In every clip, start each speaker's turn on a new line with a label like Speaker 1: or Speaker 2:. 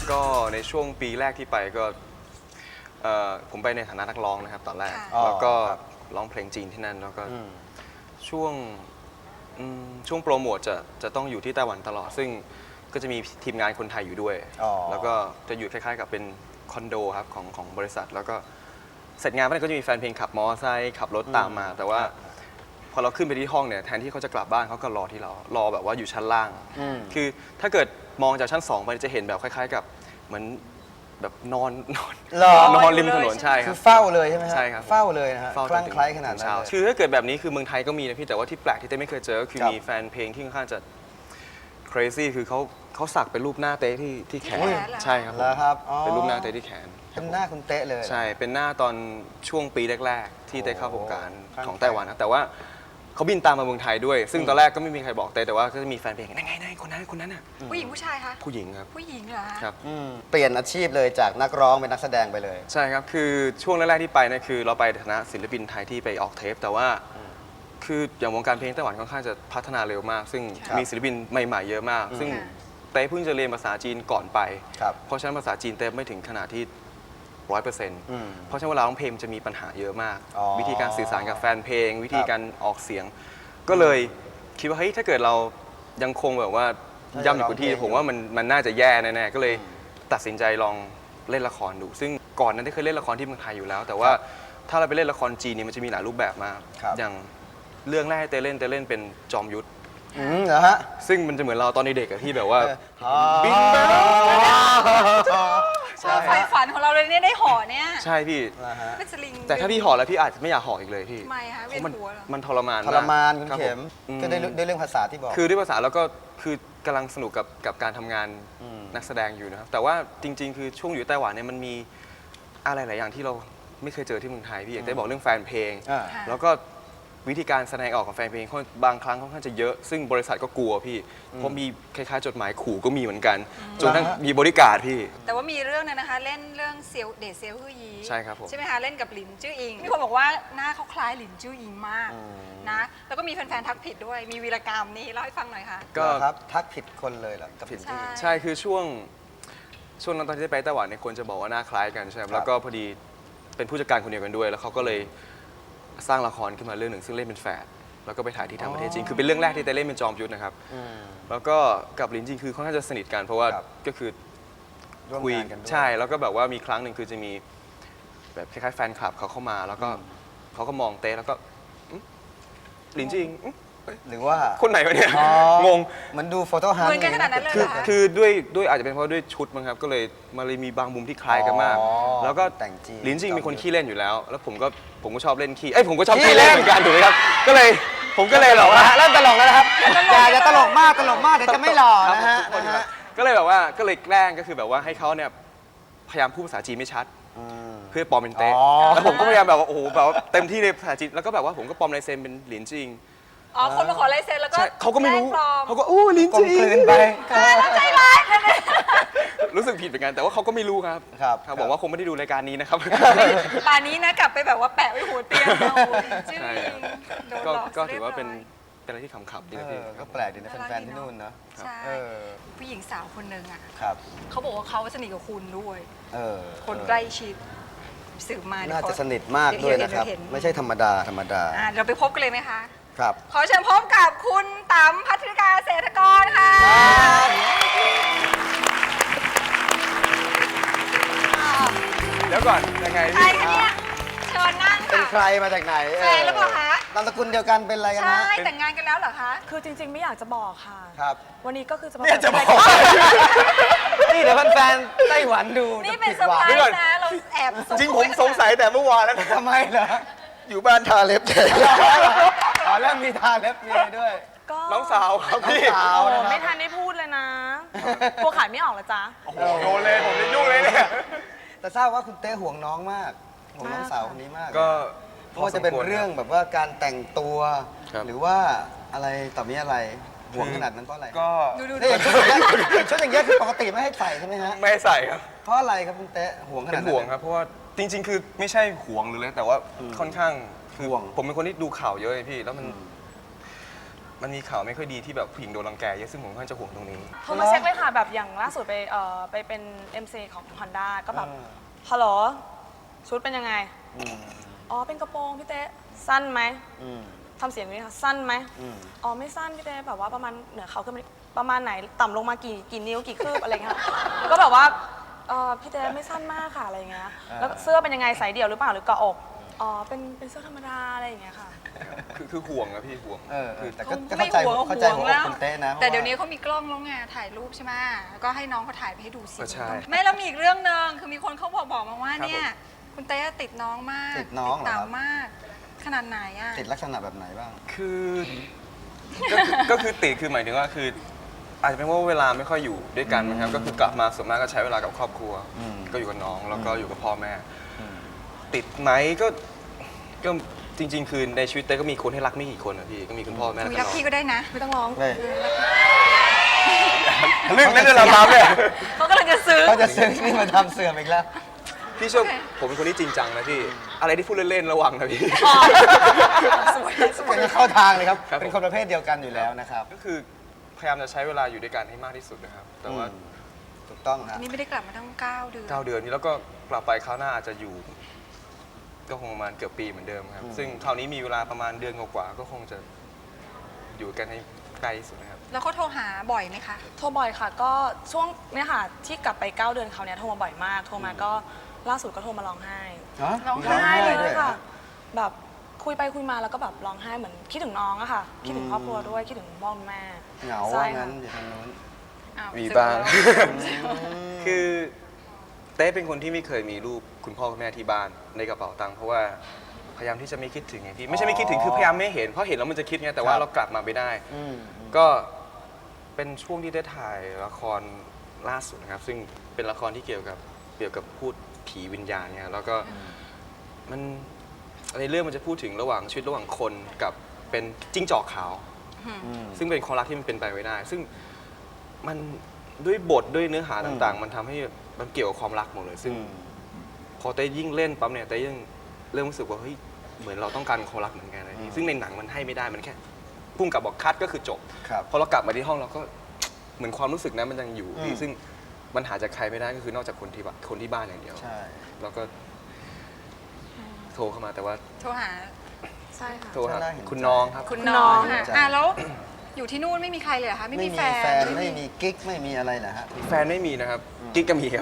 Speaker 1: ก็ในช่วงปีแรกที่ไปก็ผมไปในฐานะนักร้องนะครับตอนแรกแล้วก็ร้องเพลงจีนที่นั่นแล้วก็ช่วงโปรโมทจะต้องอยู่ที่ไต้หวันตลอดซึ่งก็จะมีทีมงานคนไทยอยู่ด้วยแล้วก็จะอยู่คล้ายๆกับเป็นคอนโดครับของบริษัทแล้วก็เสร็จงานไปก็จะมีแฟนเพลงขับมอเตอร์ไซค์ขับรถตามมาแต่ว่าพอเราขึ้นไปที่ห้องเนี่ยแทนที่เขาจะกลับบ้านเขาก็รอที่เรารอแบบว่าอยู่ชั้นล่างคือถ้าเกิดมองจากชั้น2ไปจะเห็นแบบคล้ายๆกับเหมือนแบบนอนริมถนนใช่ครับ
Speaker 2: คือเฝ้าเลยใช่ไหม
Speaker 1: ใช่ครับ
Speaker 2: เฝ้าเลยนะฮะคลั่งไคล้ขนาดนั้น
Speaker 1: คือถ้าเกิดแบบนี้คือเมืองไทยก็มีนะพี่แต่ว่าที่แปลกที่เต้ไม่เคยเจอก็คือมีแฟนเพลงที่ค่อนข้างจะ crazy คือเขาสักเป็นรูปหน้าเต้ที่แขนใช่ครับ
Speaker 2: แล้วครับ
Speaker 1: เป็นรูปหน้าเต้ที่แขน
Speaker 2: เป็นหน้าคุณเต้เลย
Speaker 1: ใช่เป็นหน้าตอนช่วงปีแรกๆที่เต้เข้าวงการของไต้หวันนะแต่ว่าเขาบินตามมาเมืองไทยด้วยซึ่งตอนแรกก็ไม่มีใครบอกเต้แต่ว่าก็จะมีแฟนเพลงนั่นไงคนนั้นน่ะ
Speaker 3: ผู้หญิงผู้ชายคะ
Speaker 1: ผู้หญิงครับ
Speaker 3: ผู้หญิงเหรอ
Speaker 1: ครับ
Speaker 2: เปลี่ยนอาชีพเลยจากนักร้องเป็นนักแสดงไปเลย
Speaker 1: ใช่ครับคือช่วงแรกๆที่ไปเนี่ยคือเราไปในฐานะศิลปินไทยที่ไปออกเทปแต่ว่าคืออย่างวงการเพลงไต้หวันค่อนข้างจะพัฒนาเร็วมากซึ่งมีศิลปินใหม่ๆเยอะมากซึ่งเต้เพิ่งจะเรียนภาษาจีนก่อนไปเพราะฉะนั้นภาษาจีนเต้ไม่ถึงขนาดที่100%เพราะฉะนั้นเวลาร้องเพลงจะมีปัญหาเยอะมากวิธีการสื่อสารกับแฟนเพลงวิธีการออกเสียงก็เลยคิดว่าเฮ้ยถ้าเกิดเรายังคงแบบว่าย่ำอยู่กับที่ผมว่ามันน่าจะแย่แน่ๆก็เลยตัดสินใจลองเล่นละครดูซึ่งก่อนนั้นได้เคยเล่นละครที่เมืองไทยอยู่แล้วแต่ว่าถ้าเราไปเล่นละครจีนเนี่ยมันจะมีหลายรูปแบบมากอย่างเรื่องแรกที่เต้เล่นเป็นจอมยุทธ
Speaker 2: เหรอฮะ
Speaker 1: ซึ่งมันจะเหมือนเราตอนเด็กๆที่แบบว่าบิน
Speaker 3: ไฟฝันของเราเลยเนี่ยได้ห่อเนี่ย
Speaker 1: ใช่พี่
Speaker 3: เป็นสลิง
Speaker 1: แต่ถ้าพี่ห่อแล้วพี่อาจจะไม่อยากห่ออีกเลยพี่
Speaker 3: ทำไมคะเวียนหัวเหรอ
Speaker 1: มันทรมาน
Speaker 2: คุณเข็มก็ได้เรื่องภาษาที่บอก
Speaker 1: คือด้วยภาษาแล้วก็คือกำลังสนุกกับการทำงานนักแสดงอยู่นะครับแต่ว่าจริงๆคือช่วงอยู่ไต้หวันเนี่ยมันมีอะไรหลายอย่างที่เราไม่เคยเจอที่เมืองไทยพี่อย่างได้บอกเรื่องแฟนเพลงแล้วก็วิธีการแสดงออกของแฟนเพลงบางครั้งค่อนข้างจะเยอะซึ่งบริษัทก็กลัวพี่เพราะมีคล้ายๆจดหมายขู่ก็มีเหมือนกันจนทั้งมีบริการพี่
Speaker 3: แต่ว่ามีเรื่องนึงนะคะเล่นเรื่องเซียวเดชเซียวฮื่อยี
Speaker 1: ใช่ครับผม
Speaker 3: ใช่ไหมคะเล่นกับหลินจื้ออิงมีคนบอกว่าหน้าเขาคล้ายหลินจื้ออิงมากนะแล้วก็มีแฟนๆทักผิดด้วยมีวีรกรรมนี่เล่าให้ฟังหน่อยค่ะ
Speaker 2: ก็ครับทักผิดคนเลยเหรอกับผิดที่
Speaker 1: ใช่คือช่วงนั้นตอนที่ไปไต้หวันเนี่ยคนจะบอกว่าหน้าคล้ายกันใช่ไหมแล้วก็พอดีเป็นผู้จัดการคนเดียวกันด้วยแล้วเขาก็เลยสร้างละครขึ้นมาเรื่องหนึ่งซึ่งเล่นเป็นแฝดแล้วก็ไปถ่ายที่ต่างประเทศจริงคือเป็นเรื่องแรกที่เต้เล่นเป็นจอมยุทธนะครับแล้วก็กับหลินจริงคือค่อนข้างจะสนิทกันเพราะว่าก็คือคุยใช่แล้วก็แบบว่ามีครั้งหนึ่งคือจะมีแบบคล้ายๆแฟนคลับเขาเข้ามาแล้วก็เขาก็มองเต้แล้วก็หลินจริง
Speaker 2: หรือว่า
Speaker 1: คนไหนวะเนี่ยงง
Speaker 2: มันดูโฟโต้ฮันต์
Speaker 3: เหมือนกันขนาดนั้นเลย
Speaker 1: คือด้วยอาจจะเป็นเพราะด้วยชุดมั้งครับก็เลยมาเลยมีบางมุมที่คล้ายกันมากแล้วก็หลินจริงเป็นคนขี้เล่นอยู่แล้วแล้วผมก็ชอบเล่นขี้ผมก็ชอบขี้เล่นเหมือนกันถูกไหมครับผมก็เลยหรอกว่า
Speaker 2: เริ่มตลกแล้วนะครับอย่าตลกมากเดี๋ยวจะไม่หล่อนะฮะ
Speaker 1: ก็เลยแบบว่าก็เลยแกล้งก็คือแบบว่าให้เขาเนี่ยพยายามพูดภาษาจีนไม่ชัดเพื่อปลอมเป็นเต้แล้วผมก็พยายามแบบว่าโอ้โหแบบเต็มที่ในภาษาจีนแล้วก็แบบว่าผมก็ปลอมลายเซ็นเป็นหลินจริง
Speaker 3: คนมาขอลายเซ็นแล้วก็
Speaker 1: เขาก็ไม่รู้เขาก็ลิ้นจี่
Speaker 2: ไป
Speaker 3: ใจร้าย
Speaker 1: รู้สึกผิดเหมือนกันแต่ว่าเขาก็ไม่รู้ครับบอกว่าคงไม่ได้ดูรายการนี้นะครับ
Speaker 3: ป่านนี้นะกลับไปแบบว่าแปะไว้หัวเตียงชื่อ
Speaker 1: ก็ถือว่าเป็นอะไรที่ขำๆดีนะพี่
Speaker 2: ก็แปลกดีนะแฟนๆที่นู่นเนาะ
Speaker 3: ใช่ผู้หญิงสาวคนหนึ่งอ่ะ
Speaker 2: ครับ
Speaker 3: เขาบอกว่าเขาสนิทกับคุณด้วยคนใกล้ชิดสืบมา
Speaker 2: น่าจะสนิทมากด้วยนะครับไม่ใช่ธรรมดา
Speaker 3: เราไปพบกันเลยไหมคะ
Speaker 2: ครับ
Speaker 3: ขอเชิญพบกับคุณต๋ำพัทริกาเศรษฐกรค่ะ
Speaker 1: เดี๋ยวก่อนยังไง
Speaker 3: ใครคะเนี่ยเชิญนั่งค่ะ
Speaker 2: เป็นใครมาจากไหน
Speaker 3: แฟนหรือเปล่าคะ
Speaker 2: นามสกุลเดียวกันเป็นอะไรกันนะ
Speaker 3: ใช่แต่งงานกันแล้วเหรอคะ
Speaker 4: คือจริงๆไม่อยากจะบอกค่ะ
Speaker 2: ครับ
Speaker 4: วันนี้ก็คือจะมา
Speaker 2: บอกนี่เดี๋ยวแฟนๆไต้หวันดู
Speaker 3: นี่เป็นเซอร์ไพรส์นะเราแอบ
Speaker 1: จริงผมสงสัยแต่เมื่อวานแล้ว
Speaker 2: ทำไมเหรอ
Speaker 1: อยู่บ้านทาเล็บเฉย
Speaker 2: แล้วมีทาเล็บมีด้วย
Speaker 1: น้องสาวครับพี่
Speaker 4: ไม่ทันได้พูดเลยนะกลัวขายไม่ออกเหรอจ๊ะ
Speaker 1: โอ้โหโดนเลยผมจะยุ่งเลยเนี่ย
Speaker 2: แต่ทราบว่าคุณเต้ห่วงน้องมากห่วงน้องสาวคนนี้มาก
Speaker 1: ก็
Speaker 2: เพราะว่าจะเป็นเรื่องแบบว่าการแต่งตัวหรือว่าอะไรต่อมีอะไรห่วงขนาดนั้นเพราะอะไร
Speaker 1: ก็
Speaker 2: ชุดอย่างเงี้ยคือปกติไม่ให้ใส่ใช่ไหมฮะ
Speaker 1: ไม่ใส่ครับ
Speaker 2: เพราะอะไรครับคุณเต้ห่วงขนาดนั้น
Speaker 1: เป็นห่วงครับเพราะว่าจริงๆคือไม่ใช่ห่วงหรืออะไรแต่ว่าค่อนข้างคือผมเป็นคนที่ดูข่าวเยอะเลยพี่แล้วมันมันมีข่าวไม่ค่อยดีที่แบบผู้หญิงโดนรังแกเยอะซึ่งผมค่อนข้างจะห่วงตรงนี้
Speaker 4: โทรมาเช็คเลยค่ะแบบอย่างล่าสุดไปเป็น MC ของ Honda ก็แบบฮัลโหลชุดเป็นยังไง อ๋อเป็นกระโปรงพี่เต้สั้นไหมทำเสียงนี้ค่ะสั้นไหมอ๋อไม่สั้นพี่เต้แบบว่าประมาณเหนือเขาขึ้นมาประมาณไหนต่ำลงมากี่นิ้วกี่คืบอะไรเงี้ยก็แบบว่าพี่เต้ไม่สั้นมากค่ะอะไรเงี้ยแล้วเสื้อเป็นยังไงใส่เดี่ยวหรือเปล่าหรือเกาะอกอ๋อเป็นเสื้อธรรมดาอะไรอย่างเงี้ยค่ะ
Speaker 1: คือห่วงนะพี่ห่วง
Speaker 2: แต่ก็
Speaker 3: ไม่
Speaker 2: เข้าใจ
Speaker 3: ห่วง
Speaker 2: หัวอก
Speaker 3: แล้ว
Speaker 2: คุณเต้นะ
Speaker 3: แต่เดี๋ยวนี้เขามีกล้องแล้วไงถ่ายรูปใช่ไหมแล้วก็ให้น้องเขาถ่ายไปให้ดูสิ
Speaker 1: ก็ใช่
Speaker 3: ไม่แล้วมีอีกเรื่องหนึ่งคือมีคนเขาบอกมาว่า
Speaker 1: ครับ
Speaker 3: เนี่ยคุณเต้ติดน้องมาก
Speaker 2: ติดน้องเหรอ
Speaker 3: เต๋า
Speaker 2: ครับ
Speaker 3: มาก ขนาดไหนอ่ะ
Speaker 2: ติดลักษณะแบบไหนบ้าง
Speaker 1: คือก็คือติดคือหมายถึงว่าคืออาจจะเป็นว่าเวลาไม่ค่อยอยู่ด้วยกันนะครับก็คือกลับมาส่วนมากก็ใช้เวลากับครอบครัว ก็อยู่กับน้องแล้วก็อยู่กับพ่อแม่ ติดไหมก็จริง ๆ คือในชีวิตเต้ก็มีคนให้รักไม่กี่คนนะพี่ก็มีคุณพ่อแม่
Speaker 3: คุย
Speaker 1: แล้วก็
Speaker 3: รัก
Speaker 1: น้อง
Speaker 3: พี่ก็ได้นะ
Speaker 4: ไม่ต้องร้อง
Speaker 2: เลย
Speaker 1: เรื่องนั้นเราทำเนี่ย
Speaker 3: เขากำลังจะซื้อ
Speaker 2: เขาจะซื้อนี่มาทำเสื่อมอีกแล้ว
Speaker 1: พี่ช่วยผมเป็นคนที่จริงจังนะพี่อะไรที่พูดเล่นๆระวังนะพี่
Speaker 3: สวยสวย
Speaker 2: เป็นเข้าทางเลยครับ
Speaker 1: ครับ
Speaker 2: เป็นคนประเภทเดียวกันอยู่แล้วนะครับ
Speaker 1: ก็คือพยายามจะใช้เวลาอยู่ด้วยกันให้มากที่สุดนะครับแต่ว่า
Speaker 2: ถูกต้องครับ
Speaker 3: นี่ไม่ได้กลับมาตั้ง9 เดือน
Speaker 1: 9 เดือนนี้แล้วก็กลับไปคราวหน้าอาจจะอยู่ ก็คงประมาณเกือบปีเหมือนเดิมครับ ซึ่งคราวนี้มีเวลาประมาณเดือนกว่าๆก็คงจะอยู่กันให้ใกล้ที่สุดนะครับ
Speaker 3: แล้วเขาโทรหาบ่อยไหมคะ
Speaker 4: โทรบ่อยค่ะก็ช่วงเนี่ยค่ะที่กลับไป9 เดือนเขาวเนี่ยโทรมาบ่อยมากโทรมาก็ล่าสุดก็โทรมาร้องไห้
Speaker 3: ร้อง
Speaker 4: ร้องไห้เลย
Speaker 2: ด้วย
Speaker 4: ค่ะ แบบคุยไปคุยมาแล้วก็แบบร้องไห้เหมือนคิดถึงน้องอะค่ะคิดถึงครอบครัวด้วยคิดถึงพ่อแม่
Speaker 2: เหงา
Speaker 4: ใช่
Speaker 2: ว่า
Speaker 4: ค่ะ
Speaker 2: งั้นอยู่ทางนู้น
Speaker 3: อ้ว
Speaker 1: มี
Speaker 3: ซื้อ
Speaker 1: บ้าง
Speaker 3: แล้ว
Speaker 1: คือเต้เป็นคนที่ไม่เคยมีรูปคุณพ่อคุณแม่ที่บ้านในกระเป๋าตังค์เพราะว่าพยายามที่จะไม่คิดถึงไงพี่ไม่ใช่ไม่คิดถึงคือพยายามไม่เห็นเพราะเห็นแล้วมันจะคิดไงแต่ว่าเรากลับมาไม่ได้ ก็เป็นช่วงที่ได้ถ่ายละครล่าสุดนะครับ ซึ่งเป็นละครที่เกี่ยวกับพูดผีวิญญาณเนี่ยแล้วก็มันในเรื่องมันจะพูดถึงระหว่างชีวิตระหว่างคนกับเป็นจิ้งจอกขาว ซึ่งเป็นความรักที่มันเป็นไปไม่ได้ ซึ่งมันด้วยบทด้วยเนื้อหาต่างๆ มันทำให้มันเกี่ยวกับความรักหมดเลย ซึ่งพอเต้ยิ่งเล่นปั๊บเนี่ยเต้ยิ่งเริ่มรู้สึกว่าเฮ้ยเหมือนเราต้องการความรักเหมือนกันนะพี่ซึ่งในหนังมันให้ไม่ได้มันแค่พุ่งกับบอกคัดก็คือจบ
Speaker 2: ครับ
Speaker 1: พอเรากลับมาที่ห้องเราก็เหมือนความรู้สึกนั้นมันยังอยู่พี่ซึ่งมันหาจากใครไม่ได้ก็คือนอกจากคนที่บ้านอย่างเดียว
Speaker 2: ใช่
Speaker 1: แล้วก็โทรเข้ามาแต่ว่า
Speaker 3: โทรหา
Speaker 4: ใช่ค่ะ
Speaker 1: โทรหาคุณน้องครับ
Speaker 3: คุณน้อง
Speaker 2: คุณน้อง
Speaker 3: ค่ะแล้วอยู่ที่นู่นไม่มีใครเลยเหรอคะไม่
Speaker 2: ไม่
Speaker 3: มี
Speaker 2: มี
Speaker 3: แฟ
Speaker 2: แฟน
Speaker 3: น
Speaker 2: ไม่มีกิ๊กไม่มีอะไรเหรอฮะ
Speaker 1: แฟนไม่มีนะครับกิ๊กก็มีครับ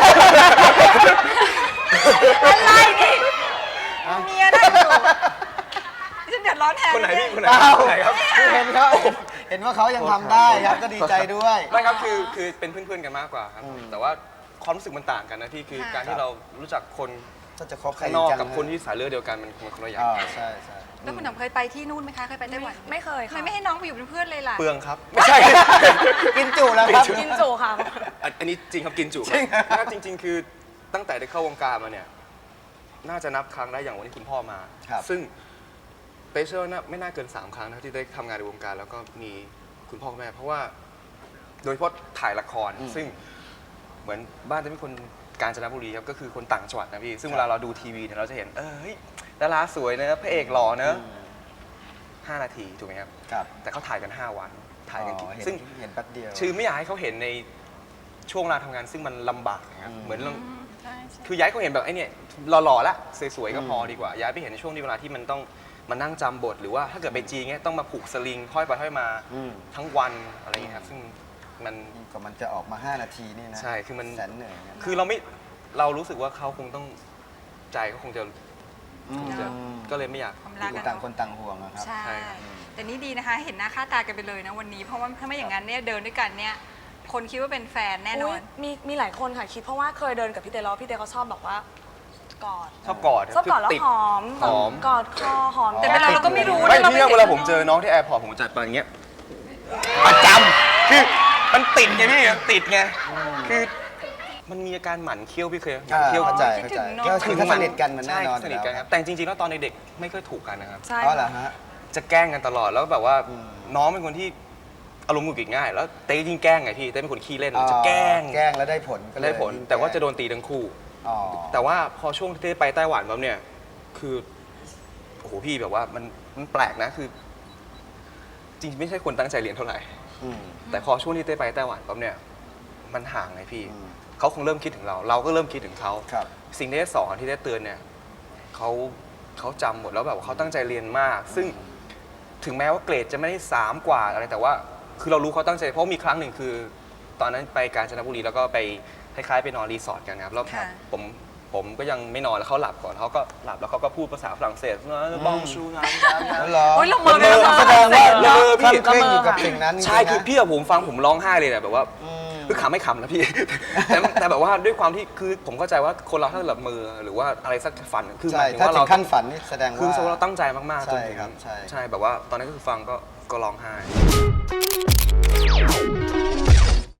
Speaker 3: อะไรนี่เมียได้อยู่ฉันเดือดร้อนแทน
Speaker 1: คนไหน
Speaker 3: เย
Speaker 1: พี่คนไหน
Speaker 2: เปล่า
Speaker 1: คนไหนครับ
Speaker 2: คือเห็นว่าเขายังทำได้ครับก็ดีใจด้วย
Speaker 1: ไม่ครับคือเป็นเพื่อนๆกันมากกว่าครับแต่ว่าความรู้สึกมันต่างกันนะพี่คือการที่เรารู้จักคน
Speaker 2: ก็จะคบใคร
Speaker 1: ข้างนอก
Speaker 2: กั
Speaker 1: กับคนที่สายเลือดเดียวกันมันคนละอย่าง
Speaker 2: ใช่ใช่
Speaker 3: แล้วคุณหนุ่มเคยไปที่นู่นไหมคะเคยไปไต้หวัน
Speaker 4: ไม่เคย
Speaker 3: ทำ
Speaker 4: ค่ะ
Speaker 3: ไมไม่ให้น้องไปอยู่เป็นเพื่อนเลยล่ะ
Speaker 1: เปลืองครับไม่ใช่
Speaker 2: กินจุแล้วครับ
Speaker 4: กินจุค่ะ
Speaker 1: อันนี้จริงครับกินจุครับจริง ๆ คือตั้งแต่ได้เข้าวงการมาเนี่ยน่าจะนับครั้งได้อย่างวันที่คุณพ่อมา
Speaker 2: ครับ
Speaker 1: ซึ่งเต้เชื่อว่าไม่น่าเกิน3 ครั้งนะที่ได้ทำงานในวงการแล้วก็มีคุณพ่อคุณแม่เพราะว่าโดยเฉพาะถ่ายละครซึ่งเหมือนบ้านจะเป็นคนกาญจนบุรีครับก็คือคนต่างจังหวัดนะพี่ซึ่งเวลาเราดูทีวีเนี่ยเราจะเห็นเฮ้ยดาราสวยนะพระเอกหล่อนะ5 นาทีถูกไหมครับ
Speaker 2: ครับ
Speaker 1: แต่เขาถ่ายกัน5 วันถ่ายกัน
Speaker 2: อ๋อ
Speaker 1: ซึ่ง
Speaker 2: เห็นแป๊บเดียว
Speaker 1: คือไม่อยากให้เขาเห็นในช่วงเวลาทำงานซึ่งมันลำบากนะครับเหมือนเรา
Speaker 3: ใช่ใช่
Speaker 1: คือย้ายเขาเห็นแบบไอ้เนี่ยหล่อๆละสวยๆก็พอดีกว่าย้ายไปเห็นในช่วงที่เวลาที่มันต้องมานั่งจำบทหรือว่าถ้าเกิดไปจีนเงี้ยต้องมาผูกสลิงห้อยไปห้อยมาทั้งวันอะไรอย่างเงี้ยครับซึ่งมัน
Speaker 2: กว่ามันจะออกมา 5 นาทีนี่นะ
Speaker 1: ใช่คือมัน
Speaker 2: แสนเหนื่อยนะ
Speaker 1: คือเรารู้สึกว่าเขาคงต้องใจเขาคงจะก็เลยไม่อยาก
Speaker 3: ความรัก
Speaker 2: ต่างคนต่างห่วงนะครับ
Speaker 3: ใช่
Speaker 1: ใช่ครับ
Speaker 3: แต่นี่ดีนะคะ เห็นหน้าค่าตากันไปเลยนะวันนี้ เพราะว่าถ้าไม่อย่างนั้นเนี่ยเดินด้วยกันเนี่ย คนคิดว่าเป็นแฟนแน่นอน
Speaker 4: มีหลายคนค่ะคิดเพราะว่าเคยเดินกับพี่เต้แล้วพี่เต้เขาชอบแบบว่ากอด
Speaker 1: ชอบกอด
Speaker 4: ชอบกอดแล้ว
Speaker 1: ติ
Speaker 4: หอม
Speaker 1: หอม
Speaker 4: กอดคอหอม
Speaker 3: แต่เวลาเราก็ไม่รู้
Speaker 1: ไม่
Speaker 3: นะเรา
Speaker 1: พี่
Speaker 3: ไม่
Speaker 1: เวลาผมเจอน้องที่แอร์พอร์ตผมจัดไปอย่างเงี้ยประจำคือมันติดไงพี่มันติดไงคือมันมีอาการหมั่นเคี้ยวพี่เคยหมั่นเคี้ยว
Speaker 2: เข้าใจ
Speaker 3: คิด
Speaker 2: เข้า
Speaker 3: ถึ
Speaker 2: ใจ
Speaker 3: งน้อง
Speaker 2: ก็คือถ้าสนิทกันมันแน่
Speaker 1: ใช่
Speaker 2: นอน
Speaker 1: สนิทกันครับแต่จริงๆแล้วตอนเด็กๆไม่ค่อยถูกกันนะครับ
Speaker 4: ใช่
Speaker 2: เพราะเหรอ
Speaker 4: ค่ะ
Speaker 2: ฮะ
Speaker 1: จะแกล้งกันตลอดแล้วแบบว่าน้องเป็นคนที่อารมณ์หงุดหงิดง่าย แล้วเต้ยิ่งแกล้งไงพี่เต้เป็นคนขี้เล่นจะแกล้ง
Speaker 2: แกล้งแล้วได้ผลก็เลย
Speaker 1: ได้ผล แต่ว่าจะโดนตีทั้งคู่
Speaker 2: อ๋อ
Speaker 1: แต่ว่าพอช่วงที่เต้ไปไต้หวันปั๊บเนี่ยคือโอ้โหพี่แบบว่ามันแปลกนะคือจริงๆไม่ใช่คนตั้งใจเรียนเท่าไหร่
Speaker 2: อืม
Speaker 1: แต่พอช่วงที่เต้ไปไต้หวันปั๊บเนี่ยมันห่างไงพี่
Speaker 2: อืม
Speaker 1: เขาคงเริ่มคิดถึงเรา เราก็เริ่มคิดถึงเขา
Speaker 2: ครับ
Speaker 1: สิ่งที่ได้สอนที่ได้เตือนเนี่ยเขาจำหมดแล้วแบบว่าเขาตั้งใจเรียนมาก ซึ่งถึงแม้ว่าเกรดจะไม่ได้3 กว่าอะไรแต่ว่าคือเรารู้เขาตั้งใจเพราะมีครั้งหนึ่งคือ ตอนนั้นไปกาญจนบุรีแล้วก็ไปคล้ายๆไปนอนรีสอร์ทกันครับแล้ว
Speaker 3: ค่ะ
Speaker 1: ผมก็ยังไม่นอนแล้วเขาหลับก่อนเขาก็หลับแล้วเขาก็พูดภาษาฝรั่งเศสบ้องชูงาน
Speaker 2: แล้วเหรอ
Speaker 3: โอ้ยเราเมินไปแล้ว
Speaker 2: แสดงว่า
Speaker 1: เออพี่
Speaker 2: เคร่งอยู่กับสิ่งนั้น
Speaker 1: ใช่
Speaker 2: จริงๆนะ
Speaker 1: คือพี่กับผมฟังผมร้องไห้เลยเนี่ยแบบว่า
Speaker 2: อืม
Speaker 1: คือขำไม่ขำนะพี่ แต่แบบว่าด้วยความที่คือผมเข้าใจว่าคนเราถ้าหลับมือหรือว่าอะไรสักฝันคือห
Speaker 2: ใช่
Speaker 1: มายถึง
Speaker 2: ถ้า
Speaker 1: ว่า
Speaker 2: ถึ
Speaker 1: เรา
Speaker 2: งขั้นฝันนี่แสดง
Speaker 1: คือ
Speaker 2: ว่า
Speaker 1: เราตั้งใจมากๆจนถึง
Speaker 2: ใช่ครับใช่
Speaker 1: ใช่แบบว่าตอนนั้นก็คือฟังก็ร้องไห้